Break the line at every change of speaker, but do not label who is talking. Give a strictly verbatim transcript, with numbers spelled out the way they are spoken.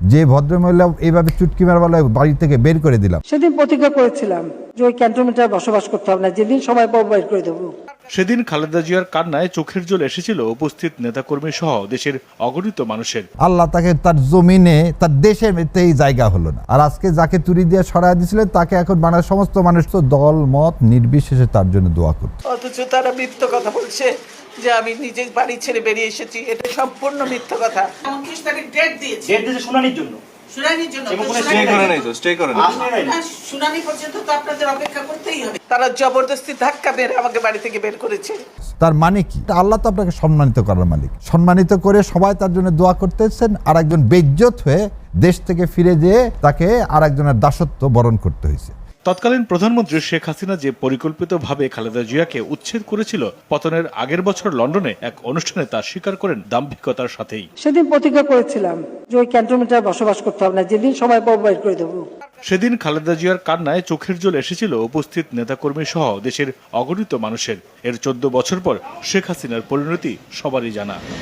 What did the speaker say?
যে ভদ্রমহিলা এইভাবে চুটকি মারবালা বাড়ি থেকে বের করে দিলাম।
সেদিন প্রতিজ্ঞা করেছিলাম যে ওই ক্যান্টনমেন্টে বসবাস করতে হবে না, যেদিন সময় পাবো বের করে দেবো।
সেদিন খালেদা জিয়ার কান্নায় চোখের জল এসেছিল উপস্থিত নেতাকর্মী সহ দেশের অগণিত মানুষের।
আল্লাহ তাকে তার জমিনে তার দেশের এই জায়গা হলো না, আর আজকে যাকে তুড়ি দিয়ে সরাই দিয়েছিলেন তাকে এখন বাংলার সমস্ত মানুষ তো দল মত নির্বিশেষে তার জন্য দোয়া করছে।
অথচ তারা মিথ্যা কথা বলছে যে আমি নিজে বাড়ি ছেড়ে বেরিয়ে এসেছি, এটা সম্পূর্ণ মিথ্যা কথা। উনত্রিশ তারিখ ডেট দিয়েছে,
ডেট দিয়েছে শুনানির জন্য।
শুনানির জন্য
স্টে করে নাই তো, স্টে করে নাই।
শুনানি পর্যন্ত তো আপনাদের অপেক্ষা করতেই হবে। তারা জবরদস্তি ধাক্কা মেরে আমাকে বাড়ি থেকে বের করেছে।
তার মানে কি? আল্লাহ তো আপনাকে সম্মানিত করার মালিক, সম্মানিত করে সবাই তার জন্য দোয়া করতেছেন, আর একজন বেইজ্জত হয়ে দেশ থেকে ফিরে যেয়ে তাকে আর একজনের দাসত্ব বরণ করতে হয়েছে।
তৎকালীন প্রধানমন্ত্রী শেখ হাসিনা যে পরিকল্পিতভাবে খালেদা জিয়াকে উচ্ছেদ করেছিল, পতনের আগের বছর লন্ডনে এক অনুষ্ঠানে তা স্বীকার করেন দাম্ভিকতার সাথেই।
সেদিন প্রতিজ্ঞা করেছিলাম যে ওই ক্যান্টনমেন্টে বসবাস করতে হবে না, যেদিন সময় পাবো বের করে দেবো।
সেদিন খালেদা জিয়ার কান্নায় চোখের জল এসেছিল উপস্থিত নেতাকর্মী সহ দেশের অগণিত মানুষের। এর চোদ্দ বছর পর শেখ হাসিনার পরিণতি সবারই জানা।